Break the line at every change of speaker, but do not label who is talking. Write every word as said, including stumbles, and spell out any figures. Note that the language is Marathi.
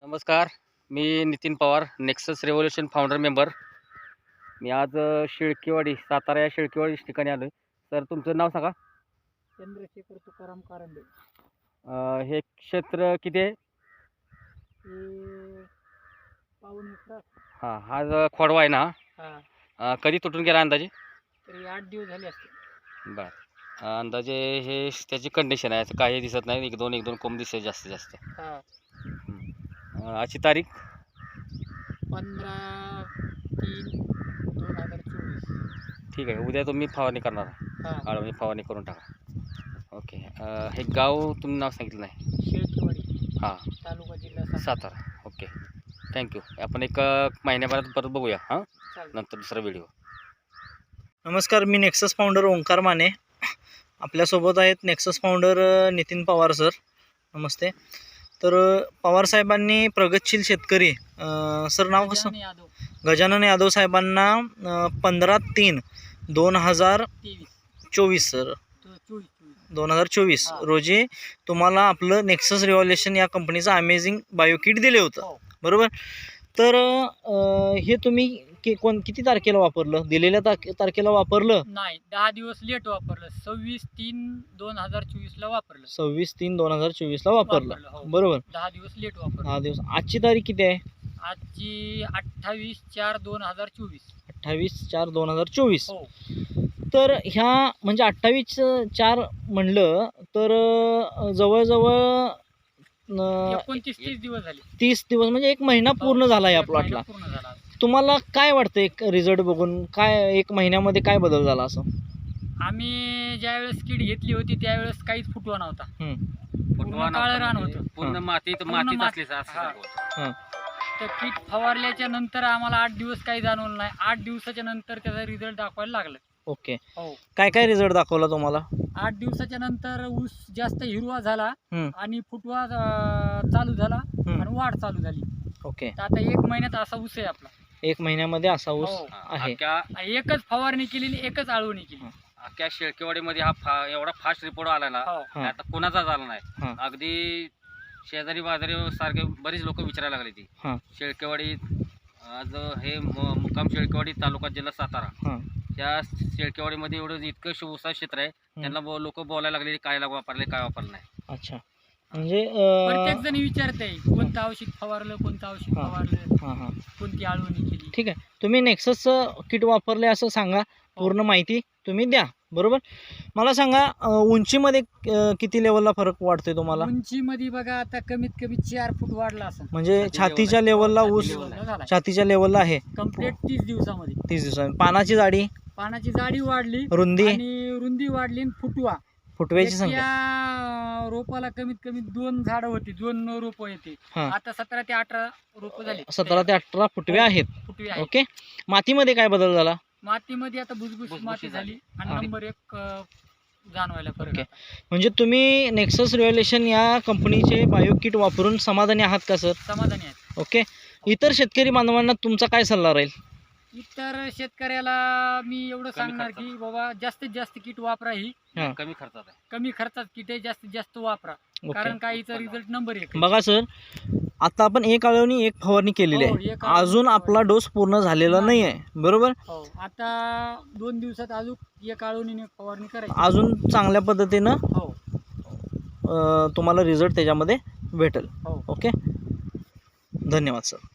नमस्कार. मी Nitin Pawar, Nexus revolution founder member. मी आज अ, शिळकेवाडी, सातारा या शिळकेवाडी ठिकाणी आलो आहे. सर, तुमचं नाव सांगा.
चंद्रशेखर तुकाराम कारंडे.
अ, हे क्षेत्र किती आहे?
हे पाऊण एकर.
हां, हा जो खोडवा आहे ना,
हा
अ, कधी तुटून गेला अंदाजे?
तरी आठ दिवस झाले असते.
बरं. अ, अंदाजे हे त्याची कंडिशन आहे, असं काही दिसत नाही. एक दोन एक दोन कोंब दिसते जास्तीत जास्त.
हा
हं. अ, आजची तारीख
पंधरा तीन दोन हजार चोवीस.
ठीक आहे. उद्या तुम्ही फवारणी करणार आहे.
हा
आळवणी फवारणी करून टाका. ओके. अ, हे गाव तुम्ही नाव सांगितलं नाही.
शेळकेवाडी,
हां,
तालुका जिल्हा सातारा.
सातारा. ओके. थँक्यू. आपण एक अ, महिन्याभरात परत बघूया. हां,
चालेल.
नंतर दुसरा व्हिडिओ.
नमस्कार, मी नेक्सस फाउंडर ओंकार माने. आपल्यासोबत आहेत नेक्सस फाउंडर अ, नितीन पवार सर. नमस्ते. तर अ, पवार साहेबांनी प्रगतशील शेतकरी अ, सर नाव कसं
गजानन यादव
गजानन यादव साहेबांना अ, पंधरा तीन दोन हजार
तेवीस
चोवीस सर
तो चोवीस चोवीस
दोन हजार चोवीस
हा.
रोजी तुम्हाला आपलं नेक्सस रिव्हॉल्युशन या कंपनीचं अमेझिंग बायोकिट दिले होतं,
हो.
बरोबर. तर अ, हे तुम्ही कि कोण किती तारखेला वापरलं? दिलेल्या तारखे तारखेला वापरलं?
नाही, दहा दिवस लेट वापरलं. सव्वीस तीन दोन हजार चोवीस ला वापरलं.
सव्वीस तीन दोन हजार चोवीसला वापरलं,
वापरलं, हो.
बरोबर.
दहा दिवस लेट वापरलं.
दहा दिवस. आजची तारीख किती आहे?
आजची अठ्ठावीस चार दोन हजार चोवीस.
अठ्ठावीस चार दोन हजार चोवीस.
हो
तर ह्या म्हणजे अठ्ठावीस चार म्हणलं तर अ, जवळजवळ अ,
एकोणतीस तीस दिवस झाले.
तीस दिवस म्हणजे एक महिना पूर्ण झाला या
एक महिना
प्लॉटला.
पूर्ण झाला.
तुम्हाला काय वाटतं एक रिझल्ट बघून? काय एक महिन्यामध्ये काय बदल झाला असं?
आम्ही ज्यावेळेस किट घेतली होती त्यावेळेस काहीच फुटवा नव्हता.
हं,
पूर्ण काळं रान होतं.
पूर्ण
हां.
मातीत
पूर्ण
मातीत
माती-
असली असं
हां.
होतं.
हं.
तर किट फवारल्याच्या नंतर आम्हाला आठ दिवस काही जाणवलं नाही. आठ दिवसाच्या नंतर त्याचा रिझल्ट दाखवायला लागला.
ओके.
हो
काय काय रिझल्ट दाखवला तुम्हाला?
आठ दिवसाच्या नंतर ऊस जास्त हिरवा झाला
हं,
आणि फुटवा अं, चालू झाला
हं.
आणि वाढ चालू झाली.
ओके.
तर आता एक महिन्यात असा ऊस आहे आपला.
एक महिन्यामध्ये असा ऊस
हो.
आहे.
अख्ख्या
एकच फवारणी केली आणि एकच आळवणी केली.
अख्ख्या शेळकेवाडीमध्ये हा फा एवढा फास्ट रिपोर्ट आला ना,
हो
हां.
आता कोणाचा झाला नाही.
हां.
अगदी शेजारी बाजारी सारखे बरीच लोक विचारायला लागली ती
हां.
शेळकेवाडी. आज हे मु- मुक्काम शेळकेवाडी, तालुका जिल्हा सातारा.
हां.
त्या शेळकेवाडीमध्ये एवढं इतकं शिवसा क्षेत्र आहे. त्यांना लोक बोलायला लागले काय वापरले काय वापरलं नाही.
अच्छा. म्हणजे
प्रत्येक
अ,
जण विचारते कोणतं औषध फवारलं, कोणतं औषध
हां.
फवारलं,
हां हां
कोणती आळवणी केली.
ठीक आहे. तुम्ही नेक्ससचं किट वापरले असं सांगा, पूर्ण माहिती तुम्ही द्या, बरोबर. मला सांगा अ, उंचीमध्ये अ, किती लेवलला फरक वाटतोय तुम्हाला?
उंचीमध्ये बघा आता कमीत कमी चार फूट वाढला असं.
म्हणजे
छाती
छातीच्या
level
लेवलला
छाती
ऊस
level आहे.
छातीच्या लेवलला आहे
कम्प्लीट तीस दिवसामध्ये.
तीस दिवसांनी. पानाची जाडी,
पानाची जाडी वाढली
रुंदी,
आणि रुंदी वाढली आणि फुटवा.
फुटव्याची संख्या.
त्या रोपाला कमीत कमी दोन झाडं होती, दोन रोप येते.
हां.
आता सतरा ते अठरा रोप झाले.
सतरा ते अठरा फुटवे आहेत.
फुटवे आहेत.
ओके. मातीमध्ये काय बदल झाला?
मातीमध्ये आता भुसभुशीत
भुसभुशीत
माती झाली आणि
हां.
नंबर एक अं, जाणवायला फरक
ओके.
आता.
म्हणजे तुम्ही नेक्सस रिव्हॉल्युशन या कंपनीचे बायो किट वापरून समाधानी आहात का सर?
समाधानी आहेत.
ओके. इतर शेतकरी बांधवांना तुमचा काय सल्ला राहील?
इतर शेतकऱ्याला मी एवढं
कमी
सांगणार
खर्चात.
की बाबा जास्तीत जास्त किट वापरा. ही
हां.
कमी खर्चात आहे.
कमी खर्चात किट आहे, जास्तीत जास्त वापरा.
ओके.
कारण काहीचा रिझल्ट नंबर एक आहे.
बघा सर, आता आपण एक आळवणी एक फवारणी केलेली
हो,
आहे.
एक आळवणी
अजून आपला डोस पूर्ण झालेला नाही आहे, बरोबर.
हो आता दोन दिवसात अजून एक आळवणीने फवारणी करायची.
अजून चांगल्या पद्धतीनं
हो
अ, तुम्हाला रिझल्ट त्याच्यामध्ये भेटेल.
हो
ओके. धन्यवाद सर.